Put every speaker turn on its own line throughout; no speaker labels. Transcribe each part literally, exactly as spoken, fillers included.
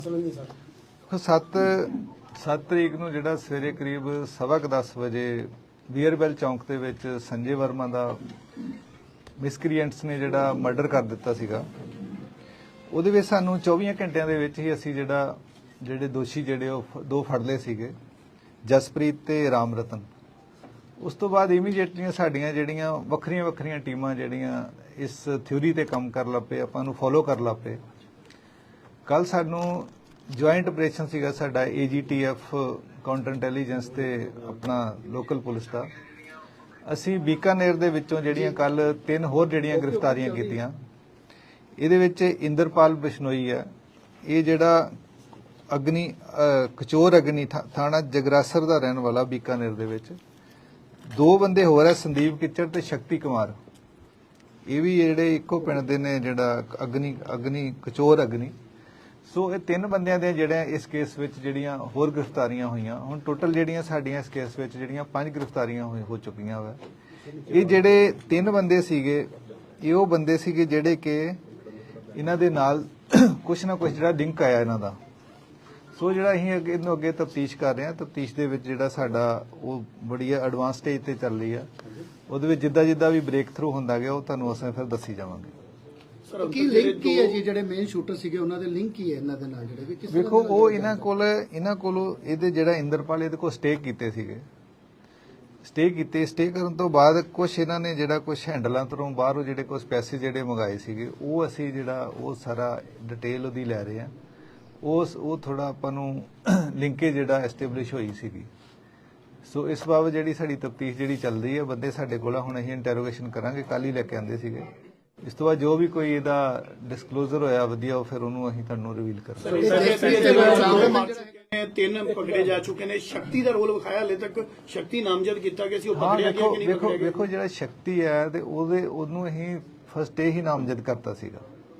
सत्त सत्त तरीक ਨੂੰ ਜਿਹੜਾ ਸਵੇਰੇ ਕਰੀਬ ਸਵਾ ਕੁ ਦਸ ਵਜੇ ਬੀਅਰਬੈਲ ਚੌਂਕ ਦੇ ਵਿੱਚ ਸੰਜੇ ਵਰਮਾ ਦਾ ਮਿਸਕ੍ਰੀਐਂਟਸ ਨੇ ਜਿਹੜਾ ਮਰਡਰ ਕਰ ਦਿੱਤਾ ਸੀਗਾ। ਉਹਦੇ ਵਿੱਚ ਸਾਨੂੰ ਚੌਵੀ ਘੰਟਿਆਂ ਦੇ ਵਿੱਚ ਹੀ ਅਸੀਂ ਜਿਹੜਾ ਜਿਹੜੇ ਦੋਸ਼ੀ ਜਿਹੜੇ ਉਹ ਦੋ ਫੜ ਲਏ ਸੀਗੇ, ਜਸਪ੍ਰੀਤ ਤੇ ਰਾਮ ਰਤਨ। ਉਸ ਤੋਂ ਬਾਅਦ ਇਮੀਡੀਏਟਲੀ ਸਾਡੀਆਂ ਜਿਹੜੀਆਂ ਵੱਖਰੀਆਂ ਵੱਖਰੀਆਂ ਟੀਮਾਂ ਜਿਹੜੀਆਂ ਇਸ ਥਿਊਰੀ ਤੇ ਕੰਮ ਕਰ ਲੱਪੇ, ਆਪਾਂ ਨੂੰ ਫੋਲੋ ਕਰ ਲੱਪੇ। ਕੱਲ ਸਾਨੂੰ ਜੁਆਇੰਟ ਆਪਰੇਸ਼ਨ ਸੀਗਾ ਸਾਡਾ ਏਜੀਟੀਐਫ ਕਾਊਂਟਰ ਇੰਟੈਲੀਜੈਂਸ ਤੇ ਆਪਣਾ ਲੋਕਲ ਪੁਲਿਸ ਦਾ। ਅਸੀਂ ਬੀਕਾਨੇਰ ਦੇ ਵਿੱਚੋਂ ਜਿਹੜੀਆਂ ਕੱਲ ਤਿੰਨ ਹੋਰ ਜਿਹੜੀਆਂ ਗ੍ਰਿਫਤਾਰੀਆਂ ਕੀਤੀਆਂ। ਇਹਦੇ ਵਿੱਚ ਇੰਦਰਪਾਲ ਬਿਸ਼ਨੋਈ ਹੈ, ਇਹ ਜਿਹੜਾ ਅਗਨੀ ਕਚੋਰ ਅਗਨੀ ਥਾਣਾ ਜਗਰਾਸਰ ਦਾ ਰਹਿਣ ਵਾਲਾ ਬੀਕਾਨੇਰ ਦੇ ਵਿੱਚ। ਦੋ ਬੰਦੇ ਹੋਰ ਹੈ, ਸੰਦੀਪ ਕਿੱਚਰ ਤੇ ਸ਼ਕਤੀ ਕੁਮਾਰ, ਇਹ ਵੀ ਜਿਹੜੇ ਇੱਕੋ ਪਿੰਡ ਦੇ ਨੇ, ਜਿਹੜਾ ਅਗਨੀ ਅਗਨੀ ਕਚੋਰ ਅਗਨੀ। ਸੋ ਇਹ ਤਿੰਨ ਬੰਦਿਆਂ ਦੇ ਜਿਹੜੇ ਇਸ ਕੇਸ ਵਿੱਚ ਜਿਹੜੀਆਂ ਹੋਰ ਗ੍ਰਿਫਤਾਰੀਆਂ ਹੋਈਆਂ। ਹੁਣ ਟੋਟਲ ਜਿਹੜੀਆਂ ਸਾਡੀਆਂ ਇਸ ਕੇਸ ਵਿੱਚ ਜਿਹੜੀਆਂ ਪੰਜ ਗ੍ਰਿਫਤਾਰੀਆਂ ਹੋ ਚੁੱਕੀਆਂ ਵਾ। ਇਹ ਜਿਹੜੇ ਤਿੰਨ ਬੰਦੇ ਸੀਗੇ, ਇਹ ਉਹ ਬੰਦੇ ਸੀਗੇ ਜਿਹੜੇ ਕਿ ਇਹਨਾਂ ਦੇ ਨਾਲ ਕੁਛ ਨਾ ਕੁਛ ਜਿਹੜਾ ਲਿੰਕ ਆਇਆ ਇਹਨਾਂ ਦਾ। ਸੋ ਜਿਹੜਾ ਅਸੀਂ ਅੱਗੇ ਇਹਨੂੰ ਅੱਗੇ ਤਫਤੀਸ਼ ਕਰ ਰਹੇ ਹਾਂ। ਤਫਤੀਸ਼ ਦੇ ਵਿੱਚ ਜਿਹੜਾ ਸਾਡਾ ਉਹ ਬੜੀ ਐਡਵਾਂਸ ਸਟੇਜ ਤੇ ਚੱਲ ਰਹੀ ਆ। ਉਹਦੇ ਵਿੱਚ ਜਿੱਦਾਂ ਜਿੱਦਾਂ ਵੀ ਬ੍ਰੇਕ ਥਰੂ ਹੁੰਦਾ ਗਿਆ ਉਹ ਤੁਹਾਨੂੰ ਅਸੀਂ ਫਿਰ ਦੱਸੀ ਜਾਵਾਂਗੇ।
ਕੀ ਲਿੰਕ ਕੀ ਹੈ ਜੀ? ਜਿਹੜੇ ਮੇਨ ਸ਼ੂਟਰ ਸੀਗੇ ਉਹਨਾਂ ਦੇ ਲਿੰਕ ਕੀ ਹੈ ਇਹਨਾਂ ਦੇ ਨਾਲ? ਜਿਹੜੇ ਕਿਸ
ਵੇਖੋ ਉਹ ਇਹਨਾਂ ਕੋਲ ਇਹਨਾਂ ਕੋਲ ਇਹਦੇ ਜਿਹੜਾ ਇੰਦਰਪਾਲ ਇਹਦੇ ਕੋਲ ਸਟੇ ਕੀਤੇ ਸੀਗੇ। ਸਟੇ ਕੀਤੇ ਸਟੇ ਕਰਨ ਤੋਂ ਬਾਅਦ ਕੁਝ ਇਹਨਾਂ ਨੇ ਜਿਹੜਾ ਕੁਝ ਹੈਂਡਲਾਂ ਤੋਂ ਬਾਹਰੋਂ ਜਿਹੜੇ ਕੁਝ ਪੈਸੇ ਜਿਹੜੇ ਮੰਗਾਏ ਸੀਗੇ, ਉਹ ਅਸੀਂ ਜਿਹੜਾ ਉਹ ਸਾਰਾ ਡਿਟੇਲ ਉਹਦੀ ਲੈ ਰਹੇ ਹਾਂ। ਉਸ ਉਹ ਥੋੜਾ ਆਪਾਂ ਨੂੰ ਲਿੰਕੇ ਜਿਹੜਾ ਐਸਟੈਬਲਿਸ਼ ਹੋਈ ਸੀਗੀ। ਸੋ ਇਸ ਬਾਬਤ ਜਿਹੜੀ ਸਾਡੀ ਤਫਤੀਸ਼ ਜਿਹੜੀ ਚੱਲ ਰਹੀ ਹੈ, ਬੰਦੇ ਸਾਡੇ ਕੋਲ ਹੁਣ ਅਸੀਂ ਇੰਟਰੋਗੇਸ਼ਨ ਕਰਾਂਗੇ। ਕੱਲ ਹੀ ਲੈ ਕੇ ਆਂਦੇ ਸੀਗੇ। ਇਸ ਤੋਂ ਬਾਅਦ ਜੋ ਵੀ ਕੋਈ ਇਹਦਾ ਡਿਸਕਲੋਜ਼ਰ ਹੋਇਆ ਵਧੀਆ, ਉਹ ਫਿਰ ਉਹਨੂੰ ਅਸੀਂ ਤੁਹਾਨੂੰ ਰਿਵੀਲ ਕਰਾਂਗੇ।
ਤਿੰਨ ਪਕੜੇ ਜਾ ਚੁੱਕੇ ਨੇ। ਸ਼ਕਤੀ ਦਾ ਰੋਲ ਵਿਖਾਇਆ, ਹਲੇ ਤੱਕ ਸ਼ਕਤੀ ਨਾਮਜ਼ਦ ਕੀਤਾ ਗਿਆ ਸੀ, ਉਹ ਪਕੜਿਆ ਗਿਆ ਕਿ ਨਹੀਂ
ਵੇਖੋ
ਪਕੜਿਆ ਗਿਆ?
ਵੇਖੋ ਜਿਹੜਾ ਸ਼ਕਤੀ ਹੈ ਤੇ ਉਹਦੇ ਉਹਨੂੰ ਅਸੀਂ ਫਸਟ ਡੇ ਹੀ ਨਾਮਜ਼ਦ ਕਰਤਾ ਸੀਗਾ।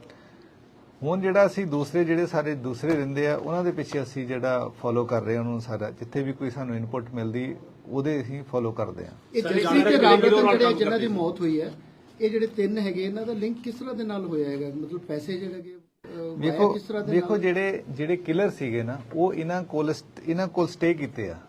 ਹੁਣ ਜਿਹੜਾ ਅਸੀਂ ਦੂਸਰੇ ਜਿਹੜੇ ਸਾਰੇ ਦੂਸਰੇ ਰਹਿੰਦੇ ਆ, ਉਹਨਾਂ ਦੇ ਪਿੱਛੇ ਅਸੀਂ ਜਿਹੜਾ ਫੋਲੋ ਕਰ ਰਹੇ ਹਾਂ ਉਹਨੂੰ ਸਾਰਾ। ਜਿੱਥੇ ਵੀ ਕੋਈ ਸਾਨੂੰ ਇਨਪੁਟ ਮਿਲਦੀ ਉਹਦੇ ਅਸੀਂ ਫੋਲੋ ਕਰਦੇ ਹਾਂ।
ਇਹ ਜਸਪ੍ਰੀਤ ਤੇ ਰਾਮ ਰਤਨ ਜਿਹੜੇ ਜਿਨ੍ਹਾਂ ਦੀ ਮੌਤ ਹੋਈ ਹੈ, ਇਹ ਜਿਹੜੇ ਤਿੰਨ ਹੈਗੇ, ਇਹਨਾਂ ਦਾ ਲਿੰਕ ਕਿਸ ਤਰ੍ਹਾਂ ਦੇ ਨਾਲ ਹੋਇਆ ਹੈਗਾ? ਮਤਲਬ ਪੈਸੇ ਜਿਹੜੇ ਕਿ
ਵੇਖੋ ਵੇਖੋ ਜਿਹੜੇ ਜਿਹੜੇ ਕਿਲਰ ਸੀਗੇ ਨਾ, ਉਹ ਇਹਨਾਂ ਕੋਲ ਇਹਨਾਂ ਕੋਲ ਸਟੇ ਕੀਤੇ ਆ।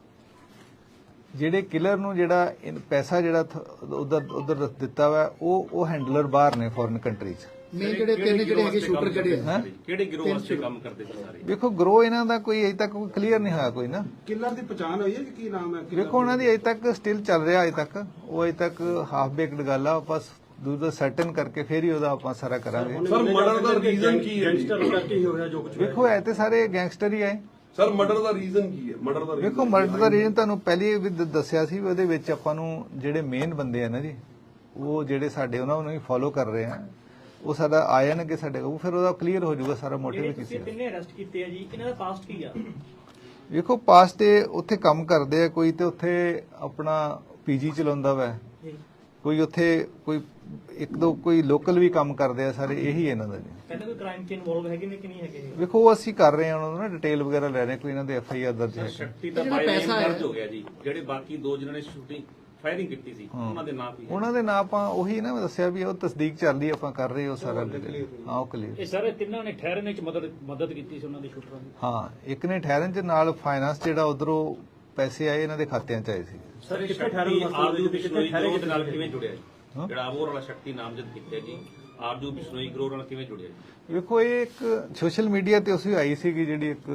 ਜਿਹੜੇ ਕਿਲਰ ਨੂੰ ਜਿਹੜਾ ਪੈਸਾ ਜਿਹੜਾ ਉਧਰ ਉਧਰ ਦਿੱਤਾ ਵਾ, ਉਹ ਉਹ ਹੈਂਡਲਰ ਬਾਹਰ ਨੇ ਫੋਰਨ ਕੰਟਰੀ 'ਚ।
ਮੇਨ ਜਿਹੜੇ ਤਿੰਨ ਜਿਹੜੇ ਹੈਗੇ ਸ਼ੂਟਰ ਜਿਹੜੇ ਆ,
ਕਿਹੜੇ ਗਿਰੋਹ ਵਾਸਤੇ ਕੰਮ ਕਰਦੇ ਸੀ ਸਾਰੇ?
ਵੇਖੋ ਗਰੋਹ ਇਹਨਾਂ ਦਾ ਕੋਈ ਅਜੇ ਤੱਕ ਕੋਈ ਕਲੀਅਰ ਨਹੀਂ ਹੋਇਆ ਕੋਈ ਨਾ।
ਕਿਲਰ ਦੀ ਪਛਾਣ ਹੋਈ ਹੈ ਕਿ ਕੀ ਨਾਮ ਹੈ?
ਵੇਖੋ ਉਹਨਾਂ ਦੀ ਅਜੇ ਤੱਕ ਸਟਿਲ ਚੱਲ ਰਿਹਾ। ਅਜੇ ਤੱਕ ਉਹ ਅਜੇ ਤੱਕ ਹਾਫ ਬੇਕਡ ਗੱਲ ਆ। ਆਪਾਂ ਦੂਜਾ ਸਰਟਨ ਕਰਕੇ ਫਿਰ ਹੀ ਉਹਦਾ ਆਪਾਂ ਸਾਰਾ ਕਰਾਂਗੇ।
ਸਰ ਮਰਡਰ ਦਾ ਰੀਜ਼ਨ ਕੀ ਹੈ?
ਗੈਂਗਸਟਰ ਕਰਕੇ ਹੀ ਹੋ ਰਿਹਾ ਜੋ ਕੁਝ।
ਵੇਖੋ ਐ ਤੇ ਸਾਰੇ ਗੈਂਗਸਟਰ ਹੀ ਆਏ।
ਸਰ ਮਰਡਰ ਦਾ ਰੀਜ਼ਨ ਕੀ ਹੈ? ਮਰਡਰ ਦਾ
ਵੇਖੋ ਮਰਡਰ ਦਾ ਰੀਜ਼ਨ ਤੁਹਾਨੂੰ ਪਹਿਲੇ ਵੀ ਦ- ਦੱਸਿਆ ਸੀ। ਉਹਦੇ ਵਿੱਚ ਆਪਾਂ ਨੂੰ ਜਿਹੜੇ ਮੇਨ ਬੰਦੇ ਆ ਨਾ ਜੀ, ਉਹ ਜਿਹੜੇ ਸਾਡੇ ਉਹਨਾਂ ਨੂੰ ਹੀ ਫੋਲੋ ਕਰ ਰਹੇ ਆ, ਉਹ ਸਾਡਾ ਆ ਜਾਣਗੇ ਸਾਡੇ ਕੋਲ, ਫਿਰ ਉਹਦਾ ਕਲੀਅਰ ਹੋ ਜਾਊਗਾ ਸਾਰਾ ਮੋਟਿਵ ਕੀ ਸੀ।
ਕਿੰਨੇ ਅਰੈਸਟ ਕੀਤੇ ਆ ਜੀ? ਇਹਨਾਂ ਦਾ ਪਾਸਟ ਕੀ ਆ?
ਵੇਖੋ ਪਾਸਟ ਤੇ ਉੱਥੇ ਕੰਮ ਕਰਦੇ ਆ, ਕੋਈ ਤੇ ਉੱਥੇ ਆਪਣਾ ਪੀਜੀ ਚਲਾਉਂਦਾ ਵਾ, ਕੋਈ ਉੱਥੇ ਕੋਈ ਇੱਕ ਦੋ ਕੋਈ ਲੋਕਲ ਵੀ ਕੰਮ ਕਰਦੇ ਆ। ਸਾਰੇ ਇਹੀ ਇਹਨਾਂ ਦਾ ਜੀ।
ਕਹਿੰਦੇ ਕੋਈ ਕ੍ਰਾਈਮ 'ਚ ਇਨਵੋਲਵ ਹੈਗੇ ਨੇ ਕਿ ਨਹੀਂ ਹੈਗੇ?
ਵੇਖੋ ਉਹ ਅਸੀਂ ਕਰ ਰਹੇ ਹਾਂ, ਉਹਨਾਂ ਨੂੰ ਨਾ ਡਿਟੇਲ ਵਗੈਰਾ ਲੈ ਰਹੇ, ਕੋਈ ਇਹਨਾਂ ਦੇ ਐਫ ਆਈ ਆਰ ਦਰਜ ਹੈ।
ਸ਼ਕਤੀ ਦਾ ਬਾਈ ਦਰਜ ਹੋ ਗਿਆ ਜੀ। ਜਿਹੜੇ ਬਾਕੀ ਦੋ ਜਿਹਨਾਂ ਨੇ ਸ਼ੂਟਿੰਗ ਫਾਇਰਿੰਗ ਕੀਤੀ ਸੀ, ਉਹਨਾਂ ਦੇ ਨਾਂ ਕੀ?
ਉਹਨਾਂ ਦੇ ਨਾਂ ਆਪਾਂ ਉਹੀ ਨਾ ਮੈਂ ਦੱਸਿਆ ਵੀ ਉਹ ਤਸਦੀਕ ਚੱਲ ਰਹੀ, ਆਪਾਂ ਕਰ ਰਹੇ ਉਹ ਸਾਰਾ। ਹਾਂ ਉਹ ਕਲੀਅਰ।
ਇਹ ਸਾਰੇ ਤਿੰਨਾਂ ਨੇ ਠਹਿਰਨੇ 'ਚ ਮਦਦ ਮਦਦ ਕੀਤੀ ਸੀ ਉਹਨਾਂ ਦੇ ਸ਼ੂਟਰਾਂ ਦੀ।
ਹਾਂ ਇੱਕ ਨੇ ਠਹਿਰਨ ਚ ਨਾਲ ਫਾਈਨਾਂਸ ਜਿਹੜਾ ਉਧਰੋਂ ਪੈਸੇ ਆਏ ਇਹਨਾਂ ਦੇ ਖਾਤਿਆਂ ਚ ਆਏ ਸੀ।
ਸਰ ਕਿੱਥੇ ਠਹਿਰਨ ਆਰਜੂ ਬਿਸ਼ਨੋਈ ਗਰੋਹ ਦੇ ਨਾਲ ਕਿਵੇਂ ਜੁੜਿਆ ਜੀ? ਜਿਹੜਾ ਆਬੋਰ ਵਾਲਾ ਸ਼ਕਤੀ ਨਾਮਜ਼ਦ ਕੀਤਾ ਜੀ, ਆਰਜੂ ਬਿਸ਼ਨੋਈ ਗਰੋਹ ਨਾਲ ਕਿਵੇਂ ਜੁੜਿਆ ਜੀ?
ਵੇਖੋ ਇਹ ਇੱਕ ਸੋਸ਼ਲ ਮੀਡੀਆ ਤੇ ਉਸੇ ਆਈ ਸੀਗੀ ਜਿਹੜੀ ਇੱਕ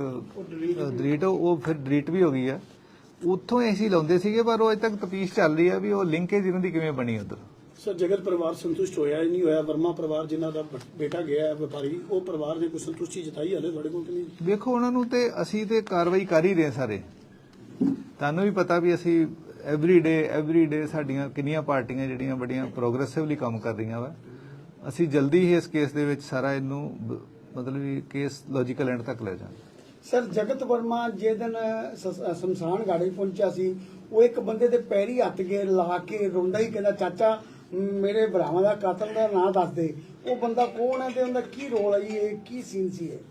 ਡਿਲੀਟ, ਉਹ ਫਿਰ ਡਿਲੀਟ ਵੀ ਹੋ ਗਈ ਆ। ਉੱਥੋਂ ਹੀ ਅਸੀਂ ਲਾਉਂਦੇ ਸੀਗੇ, ਪਰ ਉਹ ਅਜੇ ਤੱਕ ਤਫਤੀਸ਼ ਚੱਲ ਰਹੀ ਆ ਵੀ ਉਹ ਲਿੰਕੇਜ ਇਹਨਾਂ ਦੀ ਕਿਵੇਂ ਬਣੀ ਉਧਰ।
ਸਰ ਜਗਤ ਪਰਿਵਾਰ ਸੰਤੁਸ਼ਟ ਹੋਇਆ ਹੀ ਨਹੀਂ ਹੋਇਆ? ਵਰਮਾ ਪਰਿਵਾਰ ਜਿਨ੍ਹਾਂ ਦਾ ਬੇਟਾ ਗਿਆ ਹੈ ਵਪਾਰੀ, ਉਹ ਪਰਿਵਾਰ ਨੇ ਕੋਈ ਸੰਤੁਸ਼ਟੀ ਜਤਾਈ ਹਲੇ ਤੁਹਾਡੇ ਕੋਲ ਕਿ ਨਹੀਂ?
ਵੇਖੋ ਉਹਨਾਂ ਨੂੰ ਤੇ ਅਸੀਂ ਤੇ ਕਾਰਵਾਈ ਕਰ ਹੀ ਰਹੇ ਸਾਰੇ। ਤੁਹਾਨੂੰ ਵੀ ਪਤਾ ਵੀ ਅਸੀਂ ਐਵਰੀ ਡੇ ਐਵਰੀ ਡੇ ਸਾਡੀਆਂ ਕਿੰਨੀਆਂ ਪਾਰਟੀਆਂ ਜਿਹੜੀਆਂ ਬੜੀਆਂ ਪ੍ਰੋਗਰੈਸਿਵਲੀ ਕੰਮ ਕਰ ਰਹੀਆਂ ਵਾ। ਅਸੀਂ ਜਲਦੀ ਹੀ ਇਸ ਕੇਸ ਦੇ ਵਿੱਚ ਸਾਰਾ ਇਹਨੂੰ ਮਤਲਬ ਵੀ ਕੇਸ ਲੌਜੀਕਲ ਐਂਡ ਤੱਕ ਲੈ ਜਾਵਾਂਗੇ।
ਸਰ ਜਗਤ ਵਰਮਾ ਜੇ ਦਿਨ ਸ਼ਮਸ਼ਾਨ ਘਾਟੀ ਪਹੁੰਚਿਆ ਸੀ, ਉਹ ਇੱਕ ਬੰਦੇ ਦੇ ਪੈਰੀ ਹੱਥ ਕੇ ਲਾ ਕੇ ਰੋਂਦਾ ਹੀ ਕਹਿੰਦਾ, ਚਾਚਾ ਮੇਰੇ ਭਰਾਵਾਂ ਦਾ ਕਾਤਲ ਦਾ ਨਾਂ ਦੱਸ ਦੇ। ਉਹ ਬੰਦਾ ਕੌਣ ਹੈ ਤੇ ਉਹਦਾ ਕੀ ਰੋਲ ਹੈ? ਇਹ ਕੀ ਸੀਨ ਸੀ? ਇਹ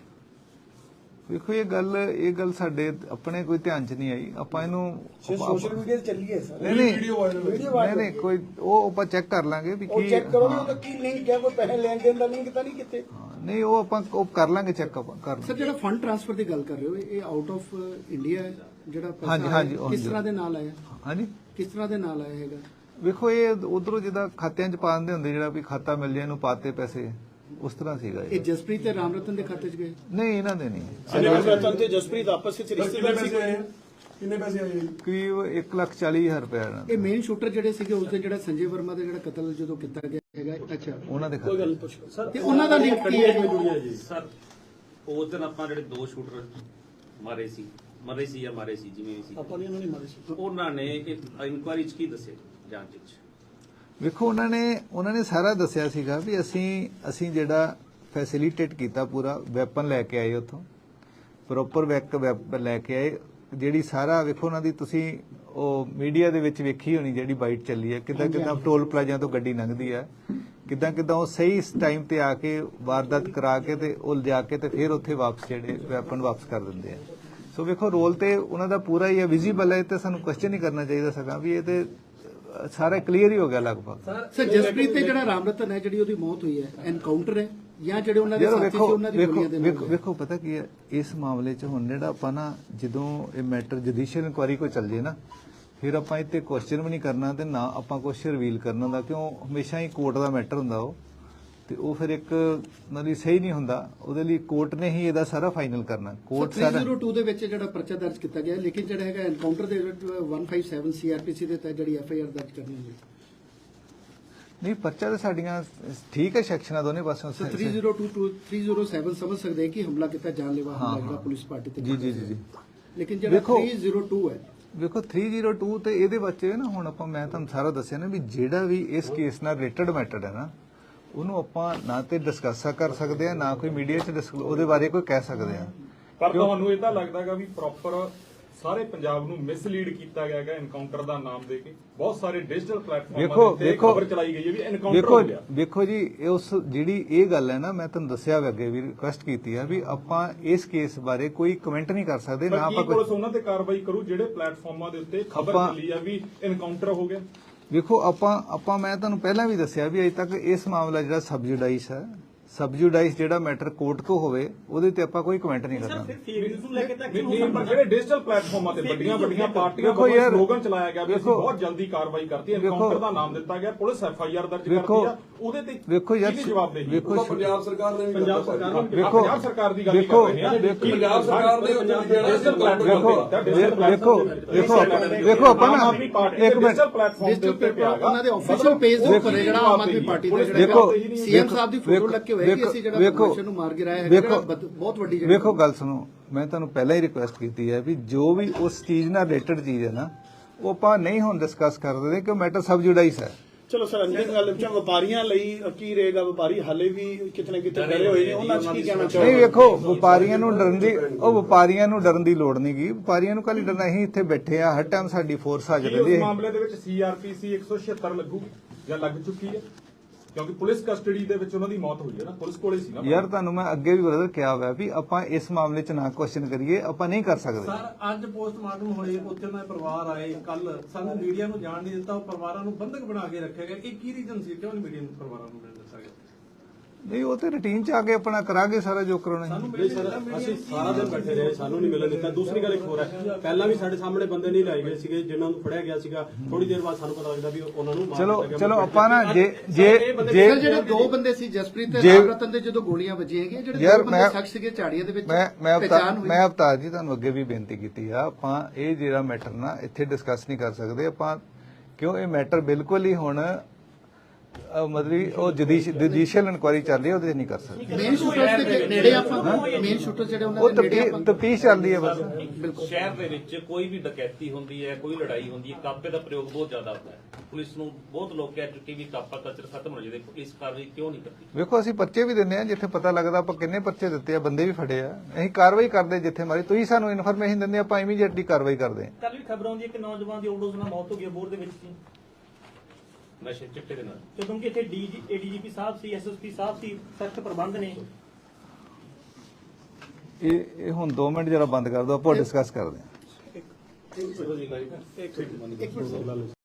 ਵੇਖੋ ਇਹ ਗੱਲ ਇਹ ਗੱਲ ਸਾਡੇ ਆਪਣੇ ਕੋਈ ਧਿਆਨ ਚ ਨਹੀਂ ਆਈ। ਆਪਾਂ ਇਹਨੂੰ
ਸੋਸ਼ਲ ਮੀਡੀਆ ਤੇ ਚੱਲੀ ਹੈ ਸਰ।
ਨਹੀਂ ਨਹੀਂ ਨਹੀਂ ਨਹੀਂ ਕੋਈ ਉਹ ਆਪਾਂ ਚੈੱਕ ਕਰ ਲਾਂਗੇ ਵੀ
ਉਹ
ਕੀ।
ਚੈੱਕ ਕਰੋ ਵੀ ਉਹਦਾ ਕੀ ਲਿੰਕ ਹੈ, ਕੋਈ ਪੈਸੇ ਲੈਣ ਦੇਣ ਦਾ ਲਿੰਕ ਤਾਂ ਨਹੀਂ ਕਿਤੇ?
ਨਹੀਂ ਉਹ ਆਪਾਂ ਉਹ ਕਰ ਲਾਂਗੇ ਚੈੱਕ ਆਪਾਂ ਕਰ
ਸਰ
ਲਾਂਗੇ।
ਜਿਹੜਾ ਫੰਡ ਟ੍ਰਾਂਸਫਰ ਦੀ ਗੱਲ ਕਰ ਰਹੇ ਹੋ ਇਹ ਆਊਟ ਆਫ ਇੰਡੀਆ ਹੈ ਜਿਹੜਾ ਪੈਸਾ
ਹਾਂਜੀ,
ਆਇਆ,
ਹਾਂਜੀ,
ਕਿਸ
ਹਾਂਜੀ।
ਤਰ੍ਹਾਂ ਦੇ ਨਾਲ ਆਇਆ
ਹਾਂਜੀ
ਕਿਸ ਤਰ੍ਹਾਂ ਦੇ ਨਾਲ ਆਇਆ ਹੈਗਾ
ਵੇਖੋ ਇਹ ਉਧਰੋਂ ਜਿੱਦਾਂ ਖਾਤਿਆਂ 'ਚ ਪਾ ਦਿੰਦੇ ਹੁੰਦੇ ਜਿਹੜਾ ਵੀ ਖਾਤਾ ਮਿਲ ਜਾਏ ਇਹਨੂੰ ਪਾਤੇ ਪੈਸੇ ਉਸ ਤਰ੍ਹਾਂ ਸੀਗਾ
ਇਹ
ਇਹ
ਜਸਪ੍ਰੀਤ ਤੇ ਰਾਮ ਰਤਨ ਦੇ ਖਾਤੇ 'ਚ ਗਏ
ਨਹੀਂ ਇਹਨਾਂ ਦੇ ਨਹੀਂ
ਰਤਨ ਤੇ ਜਸਪ੍ਰੀਤ ਆਪਸ ਵਿੱਚ ਰਿਸ਼ਤੇਦਾਰ ਸੀ
ਕਿੰਨੇ ਪੈਸੇ ਆਏ ਜੀ?
ਕਰੀਬ ਇੱਕ ਲੱਖ ਚਾਲੀ ਹਜ਼ਾਰ ਰੁਪਏ ਇਹਨਾਂ ਦੇ।
ਇਹ ਮੇਨ ਸ਼ੂਟਰ ਜਿਹੜੇ ਸੀਗੇ ਉਸ ਦੇ ਜਿਹੜਾ ਸੰਜੇ ਵਰਮਾ ਦਾ ਜਿਹੜਾ ਕਤਲ ਜਦੋਂ ਕੀਤਾ ਗਿਆ ਹੈਗਾ ਅੱਛਾ
ਉਹਨਾਂ ਦੇ ਖਾਤੇ
ਤੇ ਉਹਨਾਂ ਦਾ ਲਿੰਕ ਕੀ ਹੈ
ਸਰ ਉਸ ਦਿਨ ਆਪਾਂ ਜਿਹੜੇ ਦੋ ਸ਼ੂਟਰ ਮਾਰੇ ਸੀ ਮਰੇ ਸੀ ਜਾਂ ਮਾਰੇ ਸੀ ਜਿਵੇਂ ਵੀ ਸੀ
ਆਪਾਂ ਨੇ ਉਹਨਾਂ ਨੇ ਮਾਰੇ ਸੀ
ਉਹਨਾਂ ਨੇ ਇਨਕੁਆਇਰੀ ਚ ਕੀ ਦੱਸਿਆ ਜਾਂਚ ਵਿੱਚ?
ਵੇਖੋ ਉਹਨਾਂ ਨੇ ਉਹਨਾਂ ਨੇ ਸਾਰਾ ਦੱਸਿਆ ਸੀਗਾ ਵੀ ਅਸੀਂ ਅਸੀਂ ਜਿਹੜਾ ਫੈਸਿਲਿਟੇਟ ਕੀਤਾ ਪੂਰਾ ਵੈਪਨ ਲੈ ਕੇ ਆਏ ਉੱਥੋਂ ਪ੍ਰੋਪਰ ਵੈਪਨ ਲੈ ਕੇ ਆਏ ਜਿਹੜੀ ਸਾਰਾ ਵੇਖੋ ਉਹਨਾਂ ਦੀ ਤੁਸੀਂ ਉਹ ਮੀਡੀਆ ਦੇ ਵਿੱਚ ਵੇਖੀ ਹੋਣੀ ਜਿਹੜੀ ਬਾਈਟ ਚੱਲੀ ਹੈ ਕਿੱਦਾਂ ਕਿੱਦਾਂ ਟੋਲ ਪਲਾਜ਼ਾ ਤੋਂ ਗੱਡੀ ਲੰਘਦੀ ਹੈ ਕਿੱਦਾਂ ਕਿੱਦਾਂ ਉਹ ਸਹੀ ਟਾਈਮ ਤੇ ਆ ਕੇ ਵਾਰਦਾਤ ਕਰਾ ਕੇ ਤੇ ਉਹ ਲਿਜਾ ਕੇ ਤੇ ਫਿਰ ਉੱਥੇ ਵਾਪਸ ਜਿਹੜੇ ਵੈਪਨ ਵਾਪਸ ਕਰ ਦਿੰਦੇ ਆ ਸੋ ਵੇਖੋ ਰੋਲ ਤੇ ਉਹਨਾਂ ਦਾ ਪੂਰਾ ਹੀ ਹੈ ਵਿਜ਼ੀਬਲ ਹੈ ਤੇ ਸਾਨੂੰ ਕੁਐਸਚਨ ਹੀ ਕਰਨਾ ਚਾਹੀਦਾ ਸਗਾ ਵੀ ਇਹ ਤੇ ਸਾਰਾ ਕਲੀਅਰ ਹੀ ਹੋ ਗਿਆ ਲਗਭਗ
ਸਰ ਜਸਪ੍ਰੀਤ ਤੇ ਜਿਹੜਾ ਰਾਮ ਰਤਨ ਹੈ ਜਿਹੜੀ ਉਹਦੀ ਮੌਤ ਹੋਈ ਹੈ ਐਨਕਾਊਂਟਰ ਹੈ ਜਾਂ ਜਿਹੜੇ ਉਹਨਾਂ ਦੇ
ਯਾਰ
ਸਾਥੀ ਸੀ
ਵੇਖੋ
ਉਹਨਾਂ ਦੀ
ਵੇਖੋ
ਗੋਲੀਆਂ ਦੇ
ਵੇਖੋ
ਨਾਲ
ਵੇਖੋ ਪਤਾ ਕੀ ਹੈ ਇਸ ਮਾਮਲੇ 'ਚ ਹੁਣ ਜਿਹੜਾ ਆਪਾਂ ਨਾ ਜਦੋਂ ਇਹ ਮੈਟਰ ਜੁਡੀਸ਼ੀਅਲ ਇਨਕੁਆਇਰੀ ਕੋਈ ਚੱਲ ਜੇ ਨਾ ਫਿਰ ਆਪਾਂ ਇੱਥੇ ਕੁਐਸਚਨ ਵੀ ਨਹੀਂ ਕਰਨਾ ਤੇ ਨਾ ਆਪਾਂ ਕੁਝ ਰਿਵੀਲ ਕਰਨਾ ਦਾ ਕਿਉਂ ਹਮੇਸ਼ਾ ਹੀ ਕੋਰਟ ਦਾ ਮੈਟਰ ਹੁੰਦਾ ਉਹ ਤੇ ਉਹ ਫਿਰ ਇੱਕ ਮਤਲਬ ਸਹੀ ਨਹੀਂ ਹੁੰਦਾ ਉਹਦੇ ਲਈ ਕੋਰਟ ਨੇ ਹੀ ਇਹਦਾ ਸਾਰਾ ਫਾਈਨਲ ਕਰਨਾ ਕੋਰਟ
ਸਰ
ਸਾਰਾ
ਤਿੰਨ ਜ਼ੀਰੋ ਦੋ ਦੇ ਵਿੱਚ ਜਿਹੜਾ ਪਰਚਾ ਦਰਜ ਕੀਤਾ ਗਿਆ ਲੇਕਿਨ ਜਿਹੜਾ ਹੈਗਾ ਐਨਕਾਊਂਟਰ ਦੇ ਵਿੱਚ ਇੱਕ ਸੌ ਸੱਤ ਸੀਆਰਪੀਸੀ ਦੇ ਤਹਿਤ ਜਿਹੜੀ ਐਫ ਆਈ ਆਰ ਦਰਜ ਕਰਨੀ ਹੋਈ
ਨਹੀਂ ਪਰਚਾ ਤੇ ਸਾਡੀਆਂ ਠੀਕ ਹੈ ਸੈਕਸ਼ਨਾਂ ਦੋਨੇ ਪਾਸਿਓਂ
ਸਰ ਤਿੰਨ ਜ਼ੀਰੋ ਦੋ ਤੋਂ ਤਿੰਨ ਜ਼ੀਰੋ ਸੱਤ ਸਮਝ ਸਕਦੇ ਹਾਂ ਕਿ ਹਮਲਾ ਕੀਤਾ ਜਾਨਲੇਵਾ
ਹਾਂ,
ਹਮਲਾ ਜਿਹੜਾ
ਹਾਂ।
ਪੁਲਿਸ ਪਾਰਟੀ ਤੇ
ਜੀ ਜੀ ਜੀ ਜੀ
ਲੇਕਿਨ ਜਿਹੜਾ
ਵੇਖੋ-
ਤਿੰਨ ਜ਼ੀਰੋ ਦੋ ਹੈ
ਵੇਖੋ ਤਿੰਨ ਜ਼ੀਰੋ ਦੋ ਤੇ ਇਹਦੇ ਵਿੱਚ ਨਾ ਹੁਣ ਆਪਾਂ ਮੈਂ ਤੁਹਾਨੂੰ ਸਾਰਾ ਦੱਸਿਆ ਨਾ ਵੀ ਜਿਹੜਾ ਵੀ ਇਸ ਕੇਸ ਨਾਲ ਰਿਲੇਟਡ ਮੈਟਰ ਹੈ ਨਾ ਉਹਨੂੰ ਆਪਾਂ ਨਾ ਤੇ ਡਿਸਕਸ ਕਰ ਸਕਦੇ ਆ ਨਾ ਕੋਈ ਮੀਡੀਆ 'ਚ discuss- ਉਹਦੇ ਬਾਰੇ ਕੋਈ ਕਹਿ ਸਕਦੇ ਆ
ਪਰ ਤੁਹਾਨੂੰ ਇਹ ਤਾਂ ਲੱਗਦਾਗਾ ਵੀ ਪ੍ਰੋਪਰ ਸਾਰੇ ਪੰਜਾਬ ਨੂੰ ਮਿਸਲੀਡ ਕੀਤਾ ਗਿਆ ਹੈਗਾ ਐਨਕਾਊਂਟਰ ਦਾ ਨਾਮ ਦੇ ਕੇ ਬਹੁਤ ਸਾਰੇ ਡਿਜੀਟਲ ਪਲੇਟਫਾਰਮਾਂ
ਵੇਖੋ
ਤੇ
ਵੇਖੋ
ਖਬਰ ਚਲਾਈ ਗਈ ਹੈ ਵੀ ਐਨਕਾਊਂਟਰ
ਵੇਖੋ
ਹੋ ਗਿਆ
ਵੇਖੋ ਜੀ ਇਹ ਉਸ ਜਿਹੜੀ ਇਹ ਗੱਲ ਹੈ ਨਾ ਮੈਂ ਤੁਹਾਨੂੰ ਦੱਸਿਆ ਵੀ ਅੱਗੇ ਵੀ ਰਿਕੁਐਸਟ ਕੀਤੀ ਆ ਵੀ ਆਪਾਂ ਇਸ ਕੇਸ ਬਾਰੇ ਕੋਈ ਕਮੈਂਟ ਨਹੀਂ ਕਰ ਸਕਦੇ ਨਾ
ਪਰ ਕੀ
ਆਪਾਂ
ਪੁਲਿਸ
ਕੋਈ
ਉਹਨਾਂ ਤੇ ਕਾਰਵਾਈ ਕਰੂ ਜਿਹੜੇ ਪਲੇਟਫਾਰਮਾਂ ਦੇ ਉੱਤੇ ਖਬਰ
ਆਪਾਂ-
ਚੱਲੀ ਆ ਵੀ ਐਨਕਾਊਂਟਰ ਹੋ ਗਿਆ?
ਵੇਖੋ ਆਪਾਂ ਆਪਾਂ ਮੈਂ ਤੁਹਾਨੂੰ ਪਹਿਲਾਂ ਵੀ ਦੱਸਿਆ ਵੀ ਅਜੇ ਤੱਕ ਇਸ ਮਾਮਲਾ ਜਿਹੜਾ ਸਬਜੂਡਾਈਸ ਹੈ ਸਬਜੂਡਾਈਸ ਜਿਹੜਾ ਮੈਟਰ ਕੋਰਟ ਕੋ ਹੋਵੇ ਉਹਦੇ ਤੇ ਆਪਾਂ ਕੋਈ ਕਮੈਂਟ ਨਹੀਂ ਕਰਨਾ
ਨਹੀਂ, ਪਰ ਜਿਹੜੇ ਡਿਜੀਟਲ ਪਲੇਟਫਾਰਮਾਂ ਤੇ ਵੱਡੀਆਂ ਵੱਡੀਆਂ ਪਾਰਟੀਆਂ
ਵੇਖੋ
ਵੱਲੋਂ
ਯਾਰ,
ਸਲੋਗਨ ਚਲਾਇਆ ਗਿਆ ਵੀ ਅਸੀਂ
ਵੇਖੋ-
ਬਹੁਤ ਜਲਦੀ ਕਾਰਵਾਈ ਕਰਤੀ
ਵੇਖੋ-
ਐਨਕਾਊਂਟਰ ਦਾ ਨਾਮ ਦਿੱਤਾ ਗਿਆ ਪੁਲਿਸ ਐਫ ਆਈ ਆਰ ਦਰਜ
ਵੇਖੋ-
ਕਰਦੀ ਆ ਉਹਦੇ ਤੇ
ਵੇਖੋ ਯਾਰ,
ਕਿਹਦੀ ਜਵਾਬਦੇਹੀ?
ਵੇਖੋ-
ਉਹ ਤਾਂ ਪੰਜਾਬ ਸਰਕਾਰ ਨੇ ਵੀ
ਪੰਜਾਬ
ਕੀਤਾ
ਸਰਕਾਰ
ਭਾਈ।
ਨੂੰ
ਵੇਖੋ-
ਪੰਜਾਬ ਸਰਕਾਰ ਦੀ ਗੱਲ ਹੀ
ਵੇਖੋ-
ਕਰ ਰਹੇ ਹਾਂ
ਵੇਖੋ-
ਪੰਜਾਬ ਸਰਕਾਰ ਨੇ ਉੱਥੇ ਜਿਹੜਾ
ਡਿਜੀਟਲ ਪਲੇਟਫਾਰਮ
ਵੇਖੋ ਵੇਖੋ ਵੇਖੋ ਵੇਖੋ ਆਪਾਂ ਨਾ ਇੱਕ ਮਿੰਟ
ਉਹਨਾਂ ਦੇ ਆਫੀਸ਼ੀਅਲ ਪੇਜ ਦੇ ਉੱਪਰ ਹੈ ਜਿਹੜਾ ਆਮ ਆਦਮੀ ਪਾਰਟੀ ਦਾ
ਵੇਖੋ-
ਜਿਹੜਾ ਸੀਐਮ ਸਾਹਿਬ ਦੀ ਫੋਟੋ ਲੱਗ ਕੇ ਹੋਇਆ ਕਿ ਅਸੀਂ ਜਿਹੜਾ
ਵੇਖੋ-
ਪ੍ਰਦਰਸ਼ਨ ਨੂੰ ਮਾਰ ਗਿਰਾਇਆ ਹੈ
ਵੇਖੋ-
ਜਿਹੜਾ ਬਹੁਤ ਵੱਡੀ ਜਿਹੜੀ
ਵੇਖੋ ਗੱਲ ਸੁਣੋ ਮੈਂ ਤੁਹਾਨੂੰ ਪਹਿਲਾਂ ਹੀ ਰਿਕੁਐਸਟ ਕੀਤੀ ਹੈ ਵੀ ਜੋ ਵੀ ਉਸ ਚੀਜ਼ ਨਾਲ ਰਿਲੇਟਡ ਚੀਜ਼ ਹੈ ਨਾ ਉਹ ਆਪਾਂ ਨਹੀਂ ਹੁਣ ਡਿਸਕਸ ਕਰਦੇ ਕਿ ਮੈਟਰ ਸਬਜੂਡਾਈਸ ਹੈ
ਚਲੋ ਸਰ ਅੰਦਰ ਗੱਲ ਵਿੱਚ ਵਪਾਰੀਆਂ ਲਈ ਕੀ ਰਹੇਗਾ ਵਪਾਰੀ ਹਾਲੇ ਵੀ ਕਿਤੇ ਨਾ ਕਿਤੇ ਡਰੇ ਹੋਏ ਨੇ ਉਹਨਾਂ 'ਚ ਕੀ ਕਹਿਣਾ
ਨਹੀਂ
ਚਾਹੋਗੇ
ਵੇਖੋ ਵਪਾਰੀਆਂ ਨੂੰ ਡਰਨ ਦੀ ਉਹ ਵਪਾਰੀਆਂ ਨੂੰ ਡਰਨ ਦੀ ਲੋੜ ਨਹੀਂ ਗੀ ਵਪਾਰੀਆਂ ਨੂੰ ਕੱਲ ਡਰਨਾ ਅਸੀਂ ਇੱਥੇ ਬੈਠੇ ਆ ਹਰ ਟਾਈਮ ਸਾਡੀ ਫੋਰਸ ਹਾਜ਼ਰ
ਕੀ
ਰਹਿੰਦੀ
ਉਸ
ਹੈ
ਮਾਮਲੇ ਦੇ ਵਿੱਚ ਸੀ ਆਰ ਪੀ ਸੀ ਇੱਕ ਸੌ ਛਿਅੱਤਰ ਲੱਗੂਗੀ ਜਾਂ ਲੱਗ ਚੁੱਕੀ ਹੈ ਕਿਉਂਕਿ ਪੁਲਿਸ ਕਸਟਡੀ ਦੇ ਵਿੱਚ ਉਹਨਾਂ ਦੀ ਮੌਤ ਹੋਈ ਹੈ ਨਾ ਪੁਲਿਸ ਕੋਲੇ ਸੀ ਨਾ
ਯਾਰ ਤੁਹਾਨੂੰ ਮੈਂ ਅੱਗੇ ਵੀ ਬਰਦਰ ਕਿਹਾ ਹੋਇਆ ਵੀ ਆਪਾਂ ਇਸ ਮਾਮਲੇ 'ਚ ਨਾ ਕੁਐਸਚਨ ਕਰੀਏ ਆਪਾਂ ਨਹੀਂ ਕਰ ਸਕਦੇ
ਸਰ ਅੱਜ ਪੋਸਟਮਾਰਟਮ ਹੋਏ ਉੱਥੇ ਉਹਨਾਂ ਦੇ ਪਰਿਵਾਰ ਆਏ ਕੱਲ ਸਾਨੂੰ ਮੀਡੀਆ ਨੂੰ ਜਾਣ ਨਹੀਂ ਦਿੱਤਾ ਉਹ ਪਰਿਵਾਰਾਂ ਨੂੰ ਬੰਧਕ ਬਣਾ ਕੇ ਰੱਖਿਆ ਗਿਆ ਇਹ ਕੀ ਰੀਜ਼ਨ ਸੀ ਕਿਉਂ ਨਹੀਂ ਮੀਡੀਆ ਨੂੰ ਪਰਿਵਾਰਾਂ ਨੂੰ ਮਿਲ ਦੱਸਿਆ ਗਿਆ
ਨਹੀਂ ਉਹ ਤੇ ਰੁਟੀਨ 'ਚ ਆ ਕੇ ਆਪਣਾ ਕਰਾਂਗੇ ਸਾਰਾ ਜੋ ਕਰਾਉਣਾ ਹੈ।
ਸਾਨੂੰ
ਨਹੀਂ ਸਰ ਅਸੀਂ ਸਾਰਾ ਦਿਨ ਬੈਠੇ ਰਹੇ ਸਾਨੂੰ ਨਹੀਂ ਮਿਲਣ ਦਿੱਤਾ ਦੂਸਰੀ ਗੱਲ ਇੱਕ ਹੋਰ ਹੈ ਪਹਿਲਾਂ ਵੀ ਸਾਡੇ ਸਾਹਮਣੇ ਬੰਦੇ ਨਹੀਂ ਲਾਏ ਗਏ ਸੀਗੇ ਜਿਨ੍ਹਾਂ ਨੂੰ ਫੜਿਆ ਗਿਆ ਸੀਗਾ ਥੋੜੀ ਦੇਰ ਬਾਅਦ ਸਾਨੂੰ ਪਤਾ ਲੱਗਦਾ ਵੀ ਉਹਨਾਂ ਨੂੰ ਮਾਰ
ਚਲੋ
ਦਿੱਤਾ ਗਿਆ।
ਚਲੋ ਆਪਾਂ ਨਾ ਜੇ ਜੇ
ਸਰ
ਜੇ
ਜਿਹੜੇ ਦੋ ਬੰਦੇ ਸੀ ਜਸਪ੍ਰੀਤ ਤੇ
ਜੇ-
ਰਾਮ ਰਤਨ ਦੇ ਜਦੋਂ ਗੋਲੀਆਂ ਵੱਜੀਆਂ ਹੈਗੀਆਂ ਜਿਹੜੇ
ਯਾਰ
ਦੋ ਬੰਦੇ
ਮੈਂ-
ਸ਼ਖਸ ਸੀਗੇ ਝਾੜੀਆਂ ਦੇ ਵਿੱਚ
ਮੈਂ ਮੈਂ
ਪਹਿਚਾਣ
ਅਵਤਾਰ
ਹੋਈ
ਮੈਂ ਅਵਤਾਰ ਜੀ ਤੁਹਾਨੂੰ ਅੱਗੇ ਵੀ ਬੇਨਤੀ ਕੀਤੀ ਆ ਆਪਾਂ ਇਹ ਜਿਹੜਾ ਮੈਟਰ ਨਾ ਇੱਥੇ ਡਿਸਕਸ ਨਹੀਂ ਕਰ ਸਕਦੇ ਆਪਾਂ ਕਿਉਂ ਇਹ ਮੈਟਰ ਬਿਲਕੁਲ ਹੀ ਹੁਣ ਅਹ ਮਤਲਬ ਉਹ ਜੁਡੀਸ਼ੀਅਲ ਇਨਕੁਆਇਰੀ ਚੱਲ ਰਹੀ ਹੈ ਉਹਦੇ 'ਚ ਨਹੀਂ ਕਰ ਸਕਦੇ
ਮੇਨ ਸ਼ੂਟਰਸ ਦੇ ਨੇੜੇ ਆਪਾਂ ਮੇਨ ਸ਼ੂਟਰ ਜਿਹੜੇ
ਉਹ
ਉਹਨਾਂ ਦੇ ਨੇੜੇ ਆਪਾਂ
ਤਫਤੀਸ਼ ਚੱਲਦੀ ਹੈ ਬਸ
ਸ਼ਹਿਰ ਦੇ ਵਿੱਚ ਕੋਈ ਵੀ ਡਕੈਤੀ ਹੁੰਦੀ ਹੈ ਕੋਈ ਲੜਾਈ ਹੁੰਦੀ ਹੈ ਕਾਪੇ ਦਾ ਪ੍ਰਯੋਗ ਬਹੁਤ ਜ਼ਿਆਦਾ ਹੁੰਦਾ ਹੈ ਪੁਲਿਸ ਨੂੰ ਬਹੁਤ ਲੋਕ ਕਹਿ ਚੁੱਕੇ ਵੀ ਕਾਪਾ ਕਲਚਰ ਖਤਮ ਹੋ ਜਾਵੇ ਪੁਲਿਸ ਕਾਰਵਾਈ ਕਿਉਂ ਨਹੀਂ ਕਰਦੀ
ਵੇਖੋ ਅਸੀਂ ਪਰਚੇ ਵੀ ਦਿੰਦੇ ਆ ਜਿੱਥੇ ਪਤਾ ਲੱਗਦਾ ਆਪਾਂ ਕਿੰਨੇ ਪਰਚੇ ਦਿੱਤੇ ਆ ਬੰਦੇ ਵੀ ਫੜੇ ਆ ਅਸੀਂ ਕਾਰਵਾਈ ਕਰਦੇ ਜਿੱਥੇ ਮਾਰੀ ਤੁਸੀਂ ਸਾਨੂੰ ਇਨਫੋਰਮੇਸ਼ਨ ਦਿੰਦੇ ਆਪਾਂ ਇਮੀਡੀਏਟਲੀ ਕਾਰਵਾਈ ਕਰਦੇ ਆ
ਕੱਲ ਵੀ ਖਬਰ ਆਉਂਦੀ ਹੈ ਕਿ ਨੌਜਵਾਨ ਦੀ ਓਵਰਡੋਜ਼ ਨਾਲ ਮੌਤ ਹੋ ਗਈ ਬੋਰ ਦੇ ਵਿੱਚ ਸੀ
ਨਸ਼ੇ ਚਿੱਟੇ ਦੇ ਨਾਲ
ਜਦੋਂ ਕਿ ਇੱਥੇ ਡੀ ਏਡੀਜੀਪੀ ਸਾਹਿਬ ਸੀ ਐਸਐਸਪੀ ਸਾਹਿਬ ਸੀ ਸਖਤ ਪ੍ਰਬੰਧ ਨੇ
ਇਹ ਇਹ ਹੁਣ ਦੋ ਮਿੰਟ ਜਰਾ ਬੰਦ ਕਰ ਦਿਓ ਆਪਾਂ ਡਿਸਕਸ ਕਰਦੇ ਆ
ਇੱਕ ਮਿੰਟ